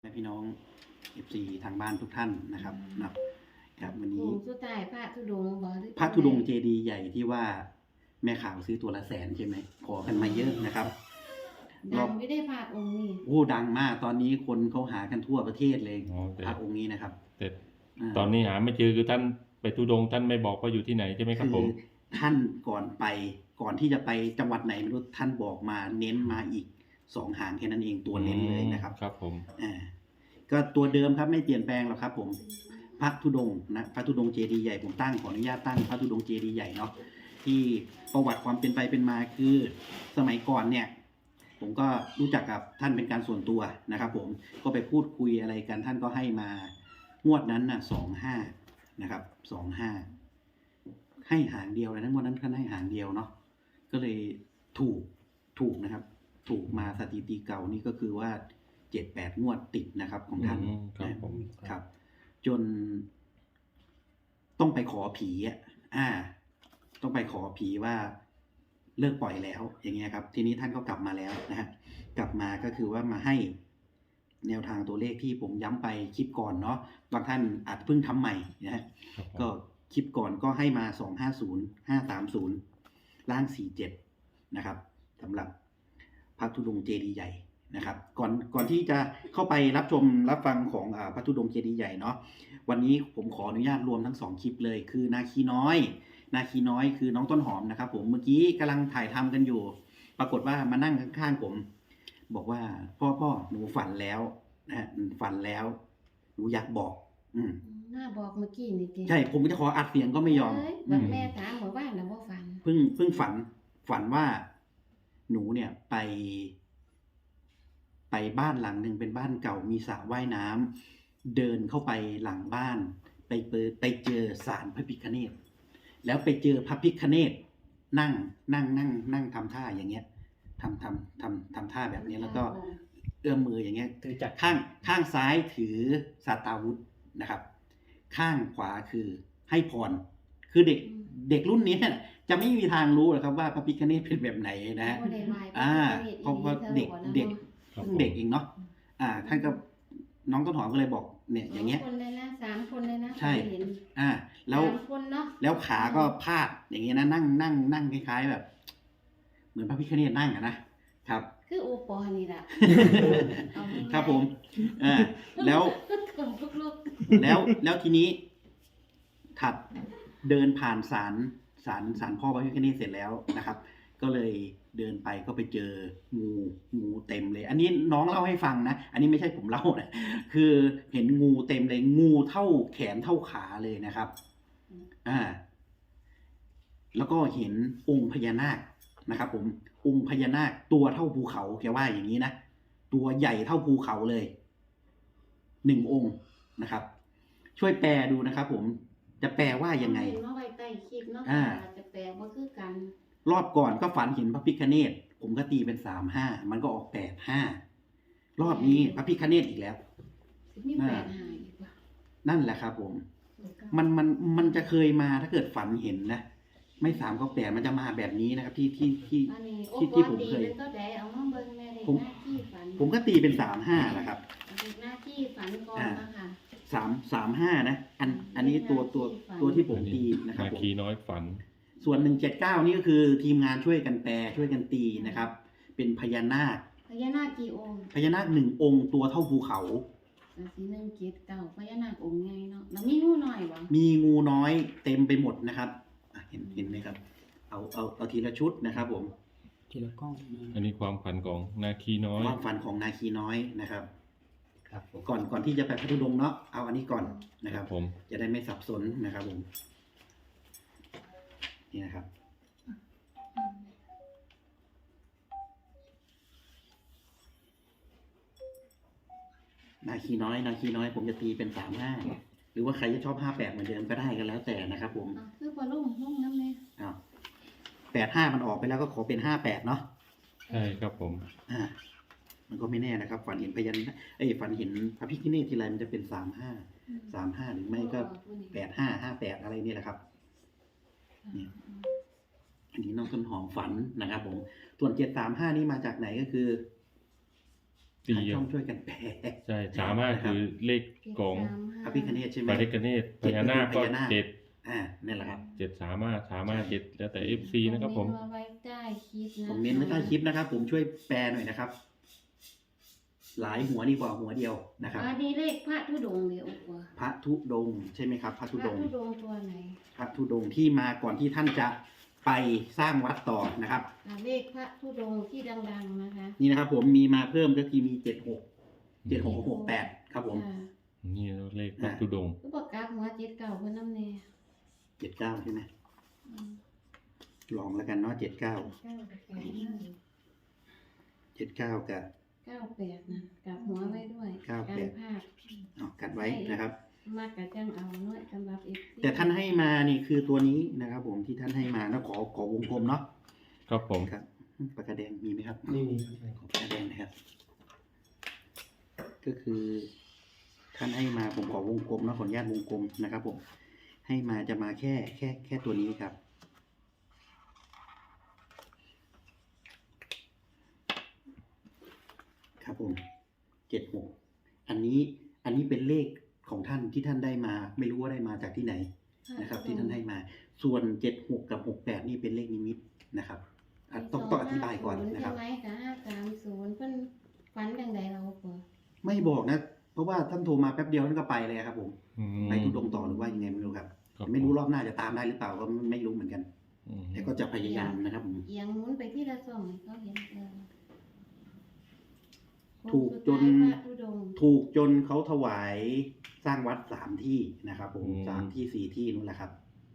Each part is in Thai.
และพี่น้อง FC ทางบ้านทุกท่านนะครับครับวันนี้สุดท้ายพระธุดงค์บ่หรือพระธุดงค์เจดีย์ใหญ่ที่ว่าแม่ข่าวซื้อตัวละ100,000ใช่ไหมขอกันมาเยอะนะครับดังไม่ได้พระองค์นี้โอ้ดังมากตอนนี้คนเขาหากันทั่วประเทศเลยพระองค์นี้นะครับแต่ตอนนี้หาไม่เจอคือท่านไปธุดงค์ท่านไม่บอกว่าอยู่ที่ไหนใช่ไหมครับผมท่านก่อนที่จะไปจังหวัดไหนไม่รู้ท่านบอกมาเน้นมาอีก2 หางแค่นั้นเองตัวเน้นเลยนะครับครับผมก็ตัวเดิมครับไม่เปลี่ยนแปลงหรอกครับผมพระธุดงค์นะพระธุดงค์เจดีย์ใหญ่ผมขออนุญาตตั้งพระธุดงค์เจดีย์ใหญ่เนาะที่ประวัติความเป็นไปเป็นมาคือสมัยก่อนเนี่ยผมก็รู้จักกับท่านเป็นการส่วนตัวนะครับผมก็ไปพูดคุยอะไรกันท่านก็ให้มางวดนั้นน่ะ25นะครับ25ให้หางเดียวเลยนะงวดนั้นท่านให้หางเดียวเนาะก็เลยถูกนะครับถูกมาสถิติเก่านี่ก็คือว่า7-8 งวดติดนะครับของท่านครับจนต้องไปขอผีต้องไปขอผีว่าเลิกปล่อยแล้วอย่างเงี้ยครับทีนี้ท่านก็กลับมาแล้วนะฮะกลับมาก็คือว่ามาให้แนวทางตัวเลขที่ผมย้ำไปคลิปก่อนเนาะบางท่านอาจเพิ่งทำใหม่นะฮะก็คลิปก่อนก็ให้มา250 530ล่าง47นะครับสำหรับพระธุดงค์เจดีย์ใหญ่นะครับก่อนที่จะเข้าไปรับชมรับฟังของพระธุดงค์เจดีย์ใหญ่เนาะวันนี้ผมขออนุญาตรวมทั้ง2 คลิปเลยคือนาคีน้อยคือน้องต้นหอมนะครับผมเมื่อกี้กำลังถ่ายทำกันอยู่ปรากฏว่ามานั่งข้างๆผมบอกว่าพ่อหนูฝันแล้วนะฝันแล้วหนูอยากบอกน่าบอกเมื่อกี้นี่ใช่ผมจะขออัดเสียงก็ไม่ยอมแบบแม่ถามบอกว่าแล้วว่าฝันเพิ่งฝันว่าหนูเนี่ยไปบ้านหลังหนึ่งเป็นบ้านเก่ามีสระว่ายน้ำเดินเข้าไปหลังบ้านไปเจอศาลพระพิฆเนศแล้วไปเจอพระพิฆเนศนั่งทำท่าอย่างเงี้ยทำท่าแบบนี้แล้วก็เอื้อมมืออย่างเงี้ยข้างซ้ายถือสาตาวุธนะครับข้างขวาคือให้พรคือเด็กรุ่นนี้จะไม่มีทางรู้หรอกครับว่าพระพิฆเนศเป็นแบบไหนนะเพราะว่าเด็กเองเนาะท่านก็น้องต้นหอมก็เลยบอกเนี่ยอย่างเงี้ยคนเลยนะ3 คนเลยนะใช่แล้วขาก็พาดอย่างเงี้ยนะนั่งคล้ายๆแบบเหมือนพระพิฆเนศนั่งนะครับคือโอปอนี่แหละครับผมแล้วทีนี้ถัดเดินผ่านศาลพ่อพระพิฆเนศเสร็จแล้วนะครับก็เลยเดินไปก็ไปเจองูเต็มเลยอันนี้น้องเล่าให้ฟังนะอันนี้ไม่ใช่ผมเล่านะคือเห็นงูเต็มเลยงูเท่าแขนเท่าขาเลยนะครับแล้วก็เห็นองค์พญานาคนะครับผมองค์พญานาคตัวเท่าภูเขาแกว่าอย่างนี้นะตัวใหญ่เท่าภูเขาเลย1 องค์นะครับช่วยแปลดูนะครับผมจะแปลว่ายังไงไว้ใต้คลิปเนาะจะแปลว่าคือกันรอบก่อนก็ฝันเห็นพระพิฆเนศผมก็ตีเป็น35มันก็ออก85รอบนี้พระพิฆเนศอีกแล้วมี85อีกว่านั่นแหละครับผมมันจะเคยมาถ้าเกิดฝันเห็นนะไม่3ก็8มันจะมาแบบนี้นะครับที่ผมเคยผมก็ตีเป็น35นะครับหน้าที่ฝันก่อนนะคะ 35นะอันนี้ตัวที่ผมตีนะครับนาคีน้อยฝันส่วน179นี่ก็คือทีมงานช่วยกันแปลช่วยกันตีนะครับเป็นพญานาคกี่องค์พญานาค1 องค์ตัวเท่าภูเขา 179พญานาคองค์ใหญ่เนาะแล้วมีงูน้อยบ่มีงูน้อยเต็มไปหมดนะครับเห็นไหมครับเอาทีละชุดนะครับผมทีละกล้องอันนี้ความฝันของนาคีน้อยความฝันของนาคีน้อยนะครับก่อนที่จะไปพระธุดงค์เนาะเอาอันนี้ก่อนนะครับผมจะได้ไม่สับสนนะครับผมนี่นะครับนาคีน้อยผมจะตีเป็น35หรือว่าใครจะชอบ58เหมือนเดิมก็ได้ก็แล้วแต่นะครับผมคือพอลุ่มน้ำเลย 85มันออกไปแล้วก็ขอเป็น58เนาะใช่ครับผมมันก็ไม่แน่นะครับฝันเห็นพญานาคฝันเห็นพระพิฆเนศทีไรมันจะเป็น35หรือไม่ก็85 58อะไรนี่แหละครับนี่อันนี้น้องต้นหอมฝันนะครับผมส่วน735นี่มาจากไหนก็คือตีทางช่องช่วยกันแปลใช่35คือเลขของพระพิฆเนศใช่ไหมพระพิฆเนศพญานาคก็พญานาคเจ็ดนั่นแหละครับ 7 แล้วแต่ FC นะครับผมคอเมนต์มาไว้ใต้คลิปนะคอมเมนต์ไว้ใต้คลิปนะครับ ผมช่วยแปลหน่อยนะครับ หลายหัวดีกว่าหัวเดียวนะครับอันนี้เลขพระธุดงค์เดียวกว่าพระธุดงค์ใช่ไหมครับ พระพธุระดงค์ธุดงค์ตัวไหนพระธุดงค์ที่มาก่อนที่ท่านจะไปสร้างวัดต่อนะครับเลขพระธุดงค์ที่ดังๆนะคะนี่นะครับ ผมมีมาเพิ่มก็คือมี76 ครับผมค่ะนี่เลขพระธุดงค์ก็บอกกราฟหัวเจ็ดเก่าเพื่อนน้ำเนย 79ใช่ไหมลองแล้วกันเนาะ79กับ 98นะกลับหัวไว้ด้วย 98 การพลาดกัดไว้นะครับมากกับจังเอาเนาะสำหรับ FC แต่ท่านให้มานี่คือตัวนี้นะครับ ผมที่ท่านให้มาแล้วขอวงกลมเนาะครับผมครับปากกาแดงมีไหมครับนี่ขอปากกาแดงนะครับ ก็คือท่านให้มาผมขอวงกลมนะขออนุญาตวงกลมนะครับ ผมให้มาจะมาแค่ตัวนี้ครับ ครับผม76อันนี้เป็นเลขของท่านที่ท่านได้มา ไม่รู้ว่าได้มาจากที่ไหนนะครับ ที่ท่านให้มา ส่วน76กับ68นี่เป็นเลขนิมิตนะครับต้องอธิบายก่อนนะครับใช่ไหมกับ530เพิ่นฝันจังใดเราบ่ไม่บอกนะ เพราะว่าท่านโทรมาแป๊บเดียวท่านก็ไปเลยครับ ผมอืมไปทุดงค์ต่อหรือว่ายังไงไม่รู้ครับครับไม่รู้รอบหน้าจะตามได้หรือเปล่าก็ไม่รู้เหมือนกันอืมแต่ก็จะพยายามนะครับผมเอียงหมุนไปที่ละส่องให้เขาเห็นถูกจนพระธุดงค์ถูกจนเขาถวายสร้างวัด3 ที่นะครับ ผม3 ที่ 4 ที่นู่นแหละครับ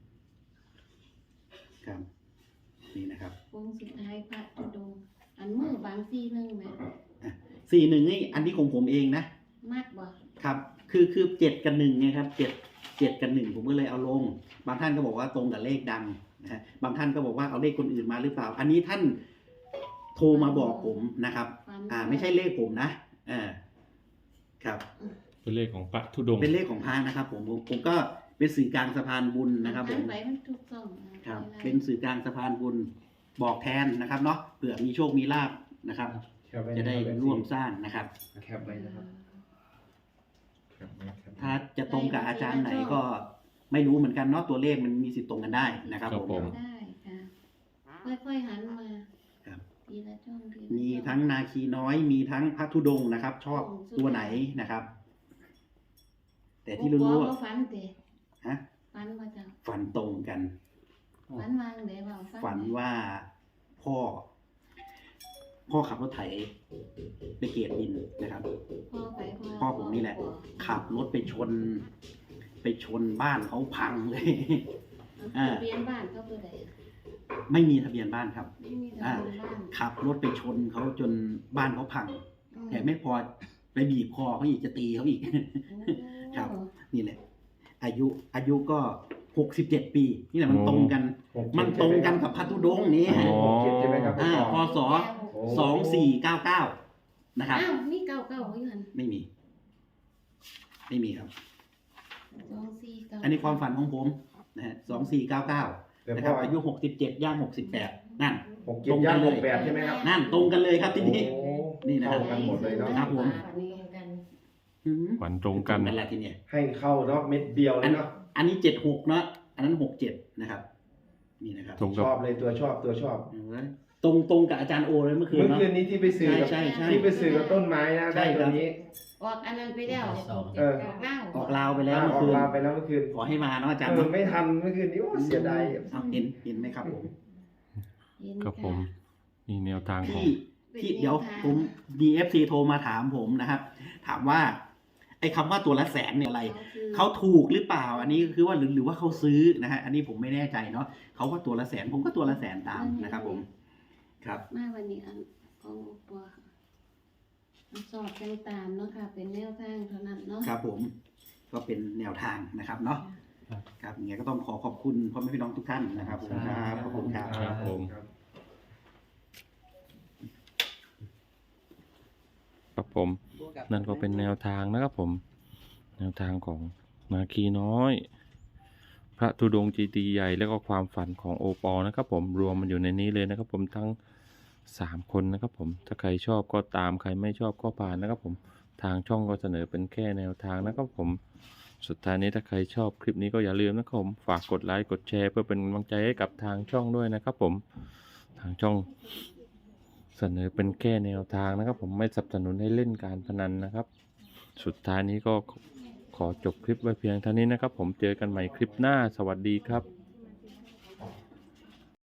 ครับนี่นะครับโค้งสุดท้ายพระธุดงค์อันมือบางซีนึงแหม 41นี่อันนี้ของผมเองนะมากบ่ครับ คือ7กับ1ไงครับ7กับ1ผมก็เลยเอาลง บางท่านก็บอกว่าตรงกับเลขดังนะฮะบางท่านก็บอกว่าเอาเลขคนอื่นมาหรือเปล่า อันนี้ท่านโทรมาบอกผมนะครับฝันไม่ใช่เลขผมนะครับเป็นเลขของพระธุดงค์เป็นเลขของพระนะครับ ผมก็เป็นสื่อกลางสะพานบุญนะครับ ผมไปมันถูกต้องนะครับเป็นสื่อกลางสะพานบุญบอกแทนนะครับเนาะเผื่อมีโชคมีลาภนะครับแคปไว้จะได้นะครับร่วมสร้างนะครับแคปไว้นะครับแคปไว้แคปไว้ถ้าจะตรงกับอาจารย์ไหนก็ไม่รู้เหมือนกันเนาะตัวเลขมันมีสิทธิ์ตรงกันได้นะครับผมได้ค่ะค่อยๆหันมาครับทีละช่องทีละมีช่องทั้งนาคีน้อยมีทั้งพระธุดงค์นะครับ ชอบตัวไหนนะครับ แต่ที่รู้บ่ว่าฝันเด้ฮะฝันว่าจะฝันตรงกันฝันวางเด้ว่าฝันว่าพ่อขับรถไถไปเกตดินนะครับ พ่อผมนี่แหละ ขับรถไปชนบ้านเขาพังเลยทะเบียนบ้านเขาตัวใดไม่มีทะเบียนบ้านครับไม่มีทะเบียนบ้านขับรถไปชนเขาจนบ้านเขาพัง แต่ไม่พอไปบีบคอเขาอีกจะตีเขาอีก ครับ นี่แหละ อายุก็67 ปีนี่แหละมันตรงกัน มันตรงกันกับพระธุดงค์นี้อ๋อ 67ใช่ไหมครับพศ 2499นะครับอ้าวนี่เก่าอยู่หั่นไม่มีครับ 2499 อันนี้ความฝันของผมนะฮะ2499 แต่นะคพ่รัอบอายุ67ย่าง68นั่น 67ย่าง68ใช่ไหมครับนั่นตรงกันเลยครับทีนี้โอ้นี่นะครับเข้ากันหมดเลยเนาะครับผมฝันตรงกันนั่นแหละทีเนี้ยให้เข้าเนาะเม็ดเดียวเลยเนาะอันนี้76เนาะอันนั้น67นะครับ นี่นะครับตรงชกับอบเลยตัวชอบตรงกับอาจารย์โอเลยเมื่อคืนเมื่อเนาะคืนนี้ที่ไปสื่อกับใช่ที่ไปสื่อกับต้นไม้นะใช่ได้คตัรัวบนี้ออกอันนั้นไปแล้วเออออกลาวไปแล้วอเมื่ออกคืนลาไปแล้วเมื่อคืนขอให้มาเนาะอาจารย์เออเนาะไม่ทันเมื่อคืนนี้โอ้เสียดายเอาเห็นไหมครับผมครับผมนี่แนวทางของที่เดี๋ยวผม DFC โทรมาถามผมนะครับ ถามว่าไอ้คำว่าตัวละแสนเนี่ยอะไร เขาถูกหรือเปล่า อันนี้คือว่าหรือว่าเขาซื้อนะฮะ อันนี้ผมไม่แน่ใจเนาะเขาว่าตัวละแสนผมก็ตัวละแสนตามนะครับผม ครับมาวันนี้อันของปัวสอบกันตามเนาะค่ะ เป็นแนวทางเท่านั้นเนาะครับผมก็เป็นแนวทางนะครับเนาะ ครับยังไงก็ต้องขอบคุณพ่อแม่พี่น้องทุกท่านนะครับผมครับขอบคุณครับครับผม ครับผมนั่นก็เป็นแนวทางนะครับผม แนวทางของนาคีน้อย พระธุดงค์เจดีย์ใหญ่แล้วก็ความฝันของโอปอนะครับผมรวมมันอยู่ในนี้เลยนะครับผมทั้ง 3 คนนะครับผมถ้าใครชอบก็ตามใครไม่ชอบก็ผ่านนะครับผมทางช่องก็เสนอเป็นแค่แนวทางนะครับผมสุดท้ายนี้ถ้าใครชอบคลิปนี้ก็อย่าลืมนะครับผมฝากกดไลค์กดแชร์เพื่อเป็นกำลังใจให้กับทางช่องด้วยนะครับผมทางช่องเสนอเป็นแค่แนวทางนะครับผมไม่สนับสนุนให้เล่นการพนันนะครับสุดท้ายนี้ก็ขอจบคลิปไว้เพียงเท่านี้นะครับผมเจอกันใหม่คลิปหน้าสวัสดีครับ